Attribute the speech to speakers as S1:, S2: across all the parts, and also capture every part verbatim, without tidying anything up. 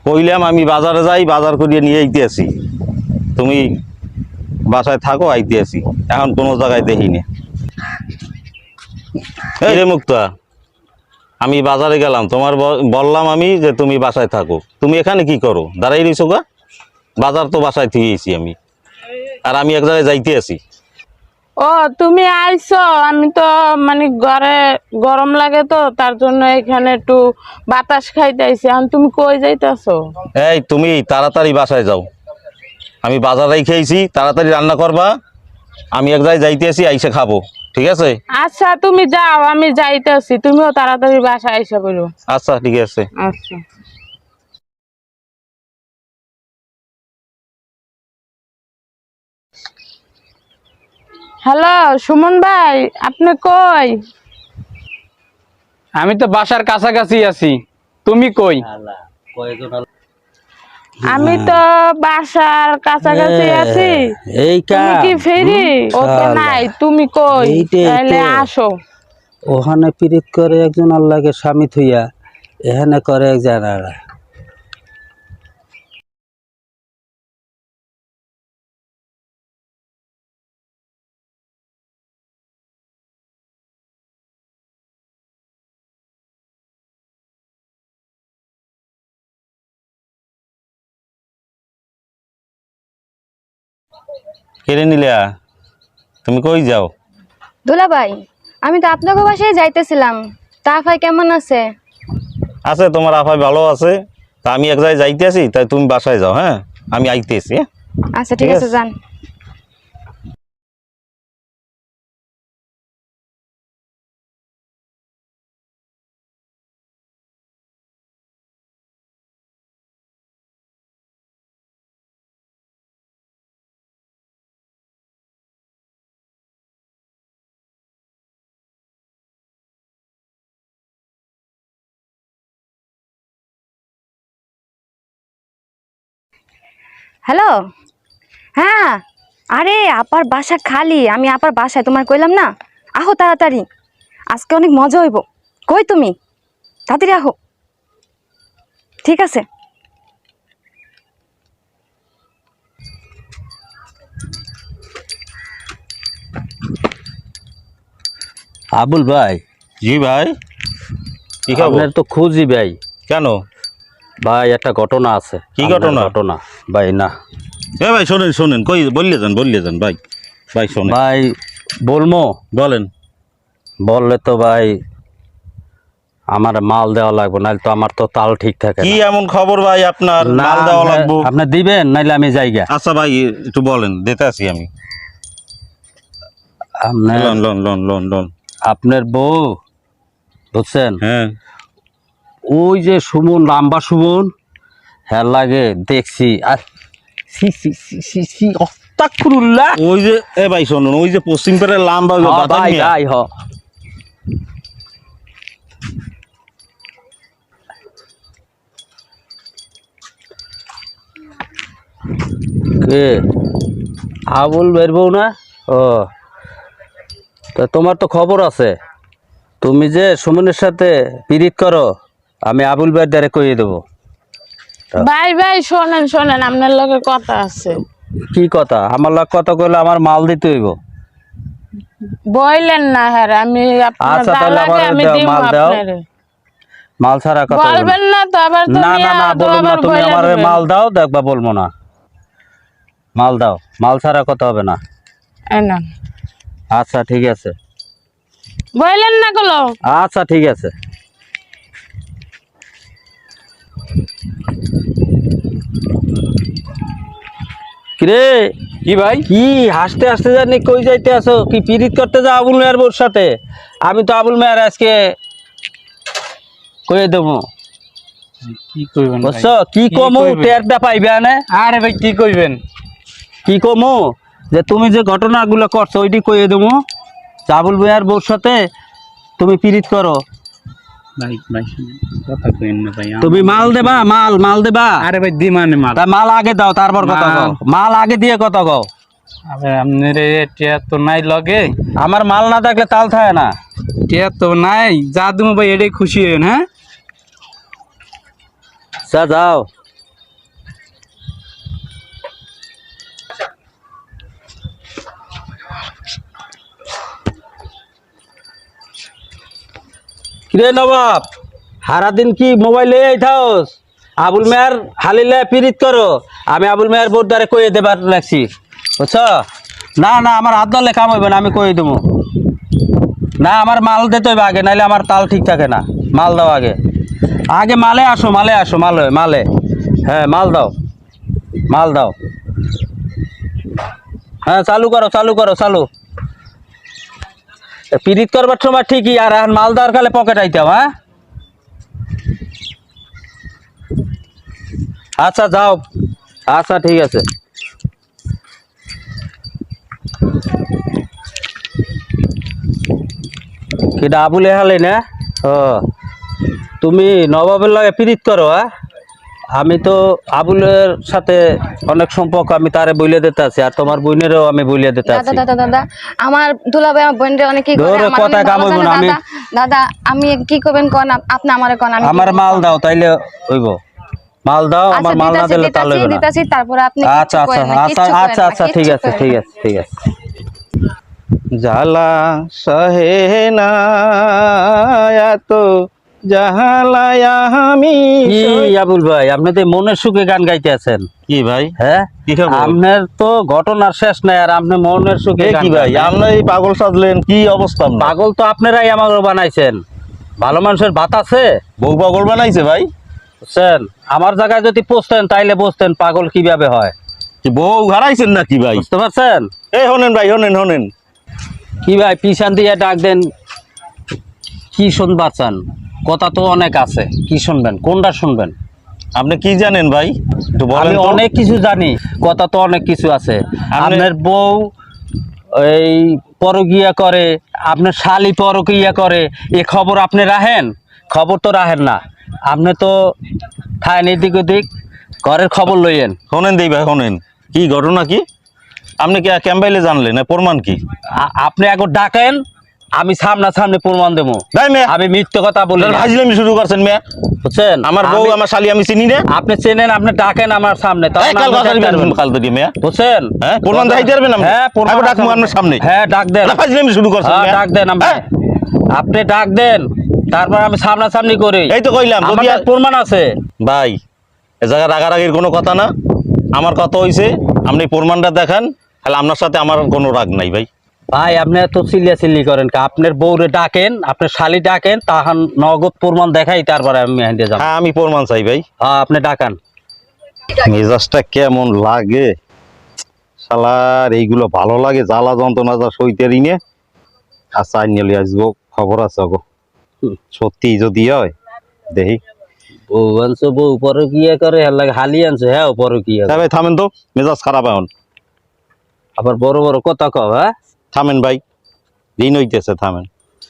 S1: কইলাম আমি বাজারে যাই, বাজার করিয়ে নিয়ে আইতে আসি, তুমি বাসায় থাকো, আইতে আসি। এখন কোনো জায়গায় দেখি না। এই রে মুক্তা, আমি বাজারে গেলাম, তোমার বললাম আমি যে তুমি বাসায় থাকো, তুমি এখানে কি করো? দাঁড়াই রইছো গা? বাজার তো বাসায় থুয়েছি আমি, আর আমি এক জায়গায় যাইতে আছি।
S2: ও তুমি আইছো, আমি তো মানে ঘরে গরম লাগে তো তার জন্য এখানে একটু বাতাস খাইতে আইছি। এখন তুমি কই যাইতেছো?
S1: এই তুমি তাড়াতাড়ি বাসায় যাও, আমি বাজারেই খেয়েছি, তাড়াতাড়ি রান্না করবা, আমি এক জায়গায় যাইতে আছি, আইসে খাবো, ঠিক আছে?
S2: আচ্ছা তুমি যাও, আমি যাইতেছি, তুমিও তাড়াতাড়ি বাসায় আইসা বলো।
S1: আচ্ছা ঠিক আছে।
S2: আচ্ছা। হ্যালো সুমন ভাই, আপনি কই?
S3: আমি তো বাসার কাছাকাছি আছি, তুমি কই?
S2: আমি তো বাসার কাছাকাছি আছি।
S4: এই
S2: তুমি কি ফেরি? ও তো নাই, তুমি কই? তাহলে আসো।
S4: ওখানে পীড়িত করে একজন আল্লাহকে স্বামী থইয়া, এখানে করে এক জানারা।
S1: কেড়ে নিলে, তুমি কই যাও?
S5: দুলা ভাই, আমি তো আপনাকে বাসায় যাইতেছিলাম, তা ভাই কেমন আছে?
S1: আছে, তোমার আফাই ভালো আছে। তা আমি এক জায়গায় যাইতে আছি, তাই তুমি বাসায় যাও। হ্যাঁ, আমি আইতে আছি।
S5: আচ্ছা ঠিক আছে, যান। হ্যালো, হ্যাঁ, আরে আপার বাসা খালি, আমি আপার বাসায়, তোমার কইলাম না, আহো তাড়াতাড়ি, আজকে অনেক মজা হইব। কই তুমি? তাড়াতাড়ি আহো। ঠিক আছে।
S4: আবুল ভাই।
S1: জি ভাই, কি খবর?
S4: আপনার তো খুঁজি ভাই।
S1: কেন
S4: ভাই একটা ঘটনা আছে।
S1: কি ঘটনা?
S4: ঘটনা ভাই না
S1: এ ভাই শোনেন শোনেন, কই বললে যান, বললে যান ভাই। ভাই শোনেন।
S4: ভাই বলমো?
S1: বলেন।
S4: বললে তো ভাই আমার মাল দেওয়া লাগবে, নাহলে তো আমার তো তাল ঠিক থাকে
S1: কি
S4: না।
S1: এমন খবর ভাই আপনার?
S4: না,
S1: মাল দেওয়া
S4: আপনি-
S1: লাগবো?
S4: আপনি দিবেন নাইলে আমি যাইগা।
S1: আচ্ছা ভাই একটু বলেন, দিতে আছি আমি।
S4: আপনার
S1: loan loan loan loan loan
S4: আপনার বউ বুঝছেন,
S1: হ্যাঁ,
S4: ওই যে সুমন, লাম্বা সুমন, হ্যাঁ লাগে দেখছি। আর সি সি সি সি সি আস্তাগফিরুল্লাহ।
S1: ওই যে এ ভাই শোনুন, ওই যে পশ্চিম পাড়ের লাম্বা
S4: হ্যাঁ
S1: বাদাম
S4: ভাই
S1: মিয়া।
S4: ভাই হ কে আবুল বের বউ না? ও তা তোমার তো খবর আছে, তুমি যে সুমনের সাথে পীড়িত করো, আমি আবুল ভাই দ্বারে কইয়ে দেবো।
S2: ভাই ভাই শোনেন শোনেন, আপনার লগে কথা আছে।
S4: কি কথা? আমার লাগ কথা কইলে আমার মাল দিতে হইব।
S2: বললেন না, হ্যাঁ আমি আপনার
S4: আচ্ছা,
S2: যা
S4: তাহলে
S2: লাগে
S4: আমার
S2: আমি
S4: দাও,
S2: দিব
S4: মাল দাও।
S2: আপনারে।
S4: মাল ছাড়া কথা বলবো না।
S2: বলবেন না তো আবার
S4: না
S2: তুমি
S4: না না
S2: আদৌ
S4: বলুন না,
S2: আবার
S4: তুমি
S2: বইলা
S4: আমার
S2: দিবেন।
S4: মাল দাও, দেখবা বলবো না। মাল দাও, মাল ছাড়া কথা হবে না।
S2: এই না,
S4: আচ্ছা ঠিক আছে।
S2: বললেন না গুলো।
S4: আচ্ছা ঠিক আছে। কিরে
S3: কি ভাই?
S4: কি হাসতে হাসতে জানি কই যাইতে আসো? কি পীড়িত করতে যাও আবুল মেয়ার বউর সাথে? আমি তো আবুল মেয়ার আজকে কয়ে দেবো,
S3: কি কইবেন ভাই?
S4: বুঝছো? কি
S3: কি
S4: কমু
S3: কইবেন?
S4: টেরটা পাইবে না।
S3: আরে ভাই কি কইবেন?
S4: কি কমু যে তুমি যে ঘটনাগুলো করছো ওইটি কইয়ে দেবো, আবুল মেয়ার বউর সাথে তুমি পীড়িত করো।
S3: ভাই ভাই শুনেন, কথা কইেন না ভাই।
S4: তুমি মাল দেবা, মাল মাল দেবা।
S3: আরে ভাই দি মানে মাল।
S4: তা মাল আগে দাও, তারপর কথা
S3: মাল।
S4: কও। মাল আগে দিয়ে কথা কও।
S3: আরে আপনার টিয়া তো নাই লগে।
S4: আমার মাল না থাকলে তাল থাকে না।
S3: টিয়া তো নাই, যা তুমি ভাই এটাই খুশি হইন। হ্যাঁ
S4: যা যাও, কিরে নবাব, সারাদিন কি মোবাইলে এই থাকস? আবুল মেয়ার হালিলে পিরিত করো, আমি আবুল মেয়ার বোর দ্বারে কয়ে দেবার লাগছি, বুঝছ? না না, আমার হাত ধরলে কাম হইবে না, আমি কয়ে দেবো। না, আমার মাল দিতে হইবে আগে, নাইলে আমার তাল ঠিক থাকে না। মাল দাও আগে, আগে মালে আসো, মালে আসো, মালে মালে হ্যাঁ মাল দাও, মাল দাও। হ্যাঁ চালু করো, চালু করো, চালু। পিরিত করবার সময় ঠিকই, আর এখন মাল দেওয়ার কালে পকেট আইতাম। হ্যাঁ আচ্ছা যাও, আচ্ছা ঠিক আছে। কিটা আবুল হালে না? ও তুমি নবাবের লাগে পিরিত করো? হ্যাঁ, আমি তো আবুলের সাথে অনেক সম্পর্ক, আমি তারে বইলে দিতে আছি, আর তোমার বোনেরও আমি বইলে দিতে আছি।
S5: দাদা দাদা দাদা, আমার দুলাভাই আমার বোনরে অনেক কি করে,
S4: ধরে
S5: আমার
S4: কথা
S5: অনেক
S4: কাম
S5: ভালো
S4: হইবো
S5: জানে
S4: না, আমি
S5: দাদা। দাদা আমি কি করবেন কোন, আপনি আমারে কোন, আমি কি
S4: আমার
S5: করব?
S4: মাল দাও, তাইলে হইব। মাল দাও,
S5: আচ্ছা,
S4: আমার মাল না
S5: দিতাছি,
S4: দিলে তাল
S5: দিতাছি,
S4: হইবে না।
S5: দিতাছি, তারপরে আপনি
S4: আচ্ছা
S5: কিচ্ছু
S4: আচ্ছা
S5: করেন না,
S4: আচ্ছা
S5: কিচ্ছু করেন
S4: আচ্ছা
S5: না,
S4: আচ্ছা ঠিক
S5: কিচ্ছু
S4: আছে,
S5: করেন
S4: ঠিক
S5: না।
S4: আছে, ঠিক আছে।
S1: জ্বালা সহে না এত জাহালায়া আমি।
S4: কি আবুল ভাই, আপনি তো মনের সুখে গান গাইতে আছেন?
S1: কি ভাই,
S4: হ্যাঁ,
S1: কি খবর?
S4: আপনার তো ঘটনার শেষ নাই, আর আপনি মনের সুখে
S1: এ
S4: গান
S1: কি ভাই,
S4: গান।
S1: আমরা এই পাগল সাজলেন, কি অবস্থা আপনার?
S4: পাগল তো আপনারাই আমাকে বানাইছেন। ভালো মানুষের ভাত আছে?
S1: বউ পাগল বানাইছে ভাই?
S4: বুঝছেন, আমার জায়গায় যদি বসতেন তাইলে বুঝতেন পাগল কিভাবে হয়।
S1: কি বউ হারাইছেন নাকি ভাই?
S4: বুঝতে পারছেন?
S1: এই হনেন ভাই, হনেন হনেন।
S4: কি ভাই পিছান দিয়ে ডাক দেন, কি শুনবার চান? কথা তো অনেক আছে, কি শুনবেন, কোনটা শুনবেন?
S1: আপনি কি জানেন ভাই, একটু বলেন
S4: আমি
S1: তো।
S4: অনেক কিছু জানি, কথা তো অনেক কিছু আছে।
S1: আপনি-
S4: আপনার বউ এই পরকিয়া করে, আপনার শালি পরকিয়া করে, এ খবর আপনি রাখেন? খবর তো রাখেন না, আপনি তো খায়েন এদিক ওদিক, ঘরের খবর লইয়েন।
S1: হনেন দেই ভাই, হনেন। কি ঘটনা কি? আপনি কি ক্যাম্বাইলে জানলেন, না প্রমাণ কি?
S4: আ- আপনি একবার ডাকেন, আমি সামনা সামনে প্রমাণ দেবো।
S1: ভাই মেয়ে,
S4: আমি মিথ্যে কথা বলি না,
S1: হাজিলামি শুরু করছেন মেয়ে।
S4: বুঝছেন?
S1: আমার বউ
S4: আমি-
S1: আমার শালি আমি চিনি না।
S4: আপনি চেনেন, আপনি ডাকেন আমার সামনে, তখন
S1: এই কাল
S4: আপনি
S1: কথা
S4: দেখতে পারবেন।
S1: কাল তো দিয়ে মেয়ে।
S4: বুঝছেন?
S1: হ্যাঁ, প্রমাণ দেখাইতে পারবেন আপনি?
S4: হ্যাঁ, প্রমাণ
S1: আগে ডাকবো
S4: আছে।
S1: আপনার সামনে।
S4: হ্যাঁ ডাক দেন,
S1: না, ফাজলামি শুরু করছেন
S4: হ্যাঁ
S1: মেয়ে।
S4: ডাক দেন আপনি।
S1: হ্যাঁ?
S4: আপনি ডাক দেন, তারপর আমি সামনাসামনি করি।
S1: এই তো কইলাম, যদি
S4: আমাদের
S1: আর-
S4: প্রমাণ আছে।
S1: ভাই, এ জায়গায় রাগারাগির কোনো কথা না। আমার কথা হইছে, আপনি প্রমাণটা দেখান, তাহলে আপনার সাথে আমার কোনো রাগ নাই ভাই।
S4: ভাই আপনি এত চিল্লিয়া চিল্লি করেন কা? আপনার বউরে ডাকেন, আপনার শালি ডাকেন, তাহান নগদ প্রমাণ দেখাই, তারপরে আমি হেঁটে যাব।
S1: হ্যাঁ, আমি প্রমাণ চাই ভাই।
S4: হ্যাঁ আপনি ডাকান।
S1: মেজাজটা কেমন লাগে শালার, এইগুলো ভালো লাগে, জ্বালা যন্ত্রণা যা সইতেরই নে। আচ্ছা নিয়ে আসবো, খবর আছে গো, সত্যি যদি হয় দেখি।
S4: বউ আনছো, বউ পরকিয়া করে, হের লাগে হালি আনছো, হ্যাঁ পরকিয়া করে।
S1: ভাই থামেন তো, মেজাজ খারাপ এখন।
S4: আবার বড় বড় কথা কও। হ্যাঁ
S1: থামেন ভাই, ঋণ হইতেছে, থামেন।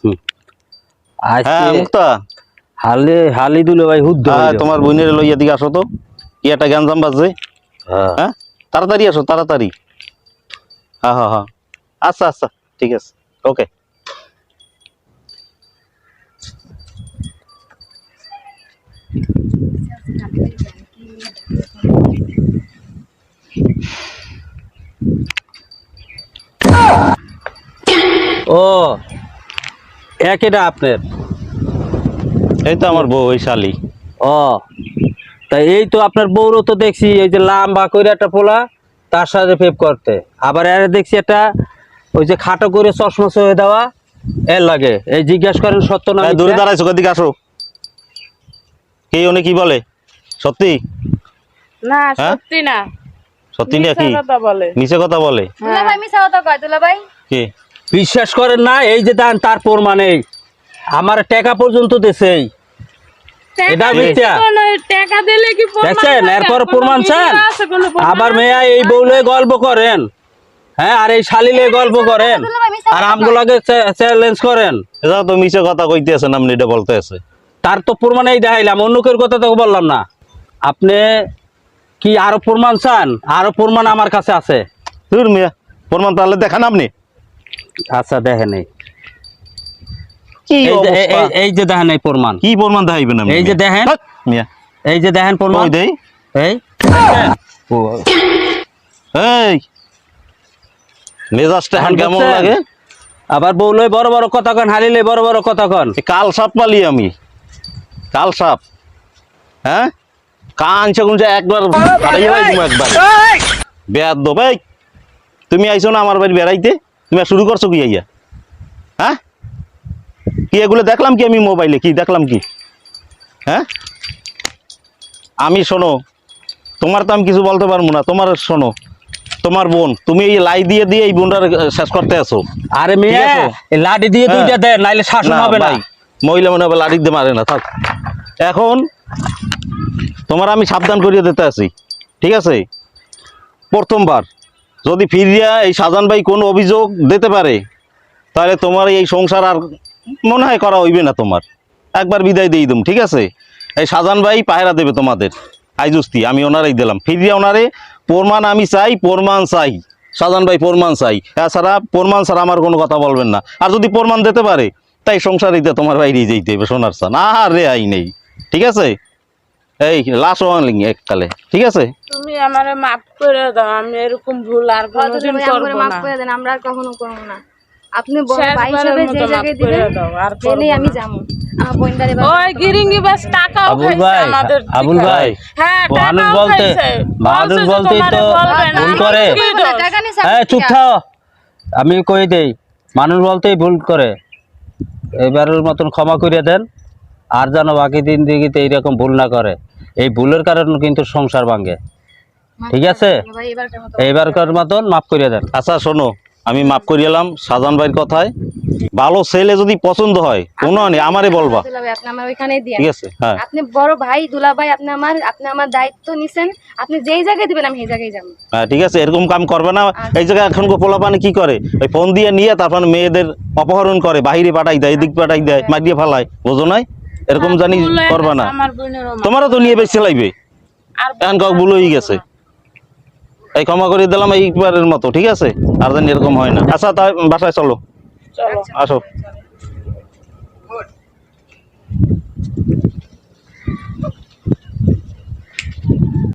S1: হ্যাঁ
S4: আজকে
S1: মুক্তা,
S4: হালি হালি দিল ভাই হুদ্দ
S1: হ্যাঁ,
S4: হইলো।
S1: তোমার বোনের লইয়া দিকে আসো তো, কি একটা গ্যাঞ্জাম বাজছে।
S4: হ্যাঁ।
S1: হ্যাঁ, তাড়াতাড়ি আসো, তাড়াতাড়ি। হ্যাঁ হ্যাঁ হ্যাঁ, আচ্ছা আচ্ছা ঠিক আছে, ওকে।
S4: ও একইটা আপনার?
S1: এই তো আমার বউ, ওই শালি।
S4: ও তাই এই তো আপনার বউরও তো দেখছি এই যে লাম্বা করে একটা পোলা, তার সাথে ফেপ করতে, আবার এর দেখছি একটা ওই যে খাটো করে চশমা সয়ে দেওয়া, এর লাগে। এই জিজ্ঞেস করেন সত্য না
S1: এই, দূরে
S4: মিথ্যা?
S1: দাঁড়াইছো, দিকে আসো। কি উনি কি বলে, সত্যি?
S2: না
S1: হ্যাঁ?
S2: সত্যি না,
S1: সত্যি না
S2: মিথ্যা
S1: কি
S2: কথা বলে।
S1: মিছে কথা বলে?
S5: দুলাভাই মিছা কথা কয়, দুলাভাই।
S1: কি
S4: বিশ্বাস করেন না, এই যে দেন তার প্রমাণ, এই আমার টাকা পর্যন্ত দেশেই, এটা মিথ্যা।
S2: কোনো টাকা দিলে কি প্রমাণ
S4: দেখছেন,
S2: থাকে?
S4: এরপর
S2: কোনো
S4: প্রমাণ
S2: video
S4: চান?
S2: আছে, কোনো প্রমাণ
S4: আবার
S2: আছে?
S4: মেয়া এই বউলে গল্প করেন, হ্যাঁ, আর এই শালিলে গল্প করেন, আর আমগুলাকে চ্যালেঞ্জ করেন।
S1: এটা তো মিছে কথা কইতে আছেন আপনি, এটা বলতে আছে।
S4: তার তো প্রমাণেই দেখাইলাম, অন্য কেউ কথা তো বললাম না। আপনি কি আরো প্রমাণ চান? আরো প্রমাণ আমার কাছে আছে।
S1: দূর মিয়া, প্রমাণ তাহলে দেখান আপনি।
S4: আচ্ছা দেখেন, এই
S1: কি
S4: এই যে-
S1: অবস্থা?
S4: এই- এই- এই যে দেখেন এই প্রমাণ,
S1: কি প্রমাণ দেখাইবেন আপনি?
S4: এই যে দেখেন।
S1: হাট, মিয়া
S4: এই যে দেখেন প্রমাণ,
S1: ওই দেই।
S4: এই
S1: ও, এই মেজাজটা এখন
S4: এখন
S1: কেমন
S4: বুঝছেন?
S1: লাগে?
S4: আবার বউলে বড় বড় কথা কন, হারিলে বড় বড় কথা কন।
S1: এ কাল সাপ পালি আমি, কাল সাপ। হ্যাঁ, কানছে কোনছে একবার ফাটাই গেলাই তুমি একবার। বেয়াদ দো ভাই, তুমি আইছো না আমার বাড়ি বেড়াইতে, তুমি আর শুরু করছো কি আইয়া? হ্যাঁ, কি এগুলো দেখলাম কি আমি মোবাইলে, কি দেখলাম কি? হ্যাঁ, আমি শোনো, তোমার তো আমি কিছু বলতে পারবো না। তোমার শোনো, তোমার বোন, তুমি এই লাই দিয়ে দিয়ে এই বোনটার শেষ করতে আসো।
S4: আরে মেয়ে,
S1: ঠিক আছে?
S4: এই লাঠি দিয়ে
S1: হ্যাঁ।
S4: দুইটা দেন, নাইলে শাসন হবে না।
S1: ভাই, মহিলা মনে হবে লাড়ি দিয়ে মারে না, থাক। এখন তোমার আমি সাবধান করিয়ে দিতে আছি, ঠিক আছে? প্রথমবার যদি ফিরিয়া এই শাহজাহান ভাই কোনো অভিযোগ দিতে পারে, তাহলে তোমার এই সংসার আর মনে হয় করা হইবে না তোমার। একবার বিদায় দিয়ে দিম, ঠিক আছে? এই শাহজাহান ভাই পায়রা দেবে তোমাদের, আইজুস্তি আমি ওনারাই দিলাম। ফিরিয়া ওনারে প্রমাণ আমি চাই, প্রমাণ চাই। শাহজাহান ভাই প্রমাণ চাই, এছাড়া প্রমাণ ছাড়া আমার কোনো কথা বলবেন না। আর যদি প্রমাণ দিতে পারে, তাই সংসারিতে তোমার বাইরেই যেতে হবে, সোনার চান আর রে আই নেই, ঠিক আছে? এই লাশ ওয়ানলিং এককালে, ঠিক আছে?
S2: তুমি আমারে মাফ করে দাও, আমি এরকম ভুল আর কোনোদিন করবো
S5: মাফ
S2: না।
S5: করে দেন, আমরা আর কখনো করবো না। আপনি বড় ভাই
S2: শেষবারের
S5: হিসেবে যে
S2: মতো মাফ
S5: জায়গায়
S2: করে
S5: দিবেন,
S2: দাও, আর
S5: জেনেই
S2: করবো
S5: আমি
S2: না।
S5: যাবো। আমার বোনটারে
S2: ওই গিরিঙ্গি বাস টাকাও
S4: আবুল
S2: খাইছে
S4: ভাই,
S2: আমাদের
S4: আবুল
S2: থেকে।
S4: ভাই,
S2: হ্যাঁ,
S4: মানুষ
S2: টাকাও
S4: বলতে
S2: খাইছে।
S4: মানুষ
S2: বলছে যে
S4: বলতেই
S2: তোমারে
S4: তো
S2: বলবে না।
S4: ভুল করে।
S2: কি দোষ?
S5: টাকা নিছে
S4: হ্যাঁ, চুপ থাও, আমি কই দেই, মানুষ বলতেই ভুল করে। এবারের মতন ক্ষমা করিয়ে দেন, আর যেন বাকি দিন দিকে এইরকম ভুল না করে। এই ভুলের কারণে কিন্তু সংসার ভাঙে, ঠিক আছে?
S5: ভাই এবারকার মতো
S4: এইবারকার মতন মাফ করিয়ে দেন।
S1: আচ্ছা শোনো, আমি মাফ করিলাম শাহজাহান ভাইয়ের কথায়। ভালো ছেলে যদি পছন্দ হয়, কোনো নেই, আমারে বলবা,
S5: দুলা ভাই, আপনি আমার ওইখানেই দিয়ে
S1: ঠিক আছে? হ্যাঁ,
S5: আপনি বড় ভাই দুলা ভাই, আপনি আমার আপনি আমার দায়িত্ব নিছেন। আপনি যেই জায়গায় দিবেন আমি সেই জায়গায় যাবো।
S1: হ্যাঁ, ঠিক আছে, এরকম কাম করবে না। এই জায়গায় এখন পোলাপানে কি করে, ওই ফোন দিয়ে নিয়ে তারপর মেয়েদের অপহরণ করে, বাহিরে পাঠাই দেয়, এদিক পাঠাই দেয়, মারিয়ে ফেলায়, বোঝো নাই? এরকম জানি
S2: ভুল হয়ে
S1: করবা না।
S2: গেছে, আমার বোনেরও মাফ
S1: তোমারও তো নিয়ে বেশি লাগবে,
S2: আর
S1: এখন কাউ ভুল হয়ে গেছে। এই ক্ষমা করে দিলাম এইবারের মতো, ঠিক আছে? আর যেন এরকম হয় না। আচ্ছা, তাই বাসায় চলো,
S2: চলো।
S1: আসো।